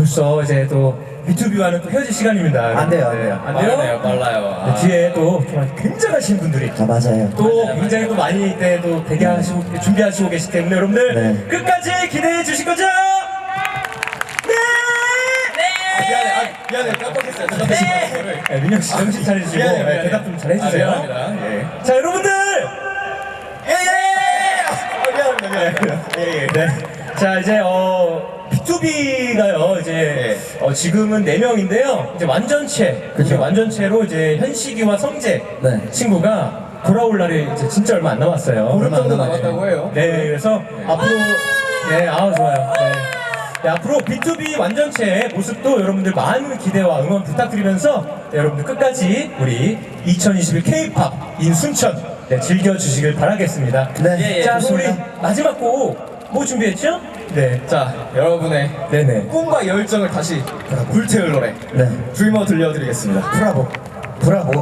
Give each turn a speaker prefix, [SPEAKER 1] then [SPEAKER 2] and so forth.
[SPEAKER 1] 벌써 이제 또 B2B와는 또 헤어질 시간입니다.
[SPEAKER 2] 안 돼요, 안 돼요.
[SPEAKER 1] 안 돼요?
[SPEAKER 3] 빨라요.
[SPEAKER 1] 네, 뒤에 또 정말 굉장하신 분들이
[SPEAKER 2] 아, 맞아요.
[SPEAKER 1] 또 굉장히 또 많이 때 또 대기하시고 준비하시고 계시기 때문에 여러분들
[SPEAKER 2] 네.
[SPEAKER 1] 끝까지 기대해 주실 거죠?
[SPEAKER 3] 미안해, 깜빡했어요.
[SPEAKER 1] 네, 민혁 씨 정신 차리시고
[SPEAKER 3] 미안해요,
[SPEAKER 1] 네, 대답 좀 잘 해주세요.
[SPEAKER 3] 미안합니다. 예.
[SPEAKER 1] 자 여러분들.
[SPEAKER 3] 미안합니다.
[SPEAKER 1] 네. 자 이제 B2B가요 이제 지금은 4명인데요. 이제 완전체,
[SPEAKER 2] 그쵸.
[SPEAKER 1] 완전체로 이제 현식이와 성재
[SPEAKER 2] 네.
[SPEAKER 1] 친구가 돌아올 날이 이제 진짜 얼마 안 남았어요.
[SPEAKER 3] 보름 정도
[SPEAKER 2] 얼마 안
[SPEAKER 3] 남았다고 해요.
[SPEAKER 1] 네, 그래서 앞으로 좋아요. 네. 네, 앞으로 B2B 완전체의 모습도 여러분들 많은 기대와 응원 부탁드리면서 네, 여러분들 끝까지 우리 2021 K-POP in 순천 즐겨주시길 바라겠습니다.
[SPEAKER 2] 네,
[SPEAKER 1] 자, 그럼 우리
[SPEAKER 2] 좋습니다.
[SPEAKER 1] 마지막 곡 뭐 준비했죠? 네.
[SPEAKER 3] 자, 여러분의
[SPEAKER 1] 네네.
[SPEAKER 3] 꿈과 열정을 다시 불태울 노래
[SPEAKER 2] 네.
[SPEAKER 3] 드리머 들려드리겠습니다.
[SPEAKER 2] 브라보. 브라보.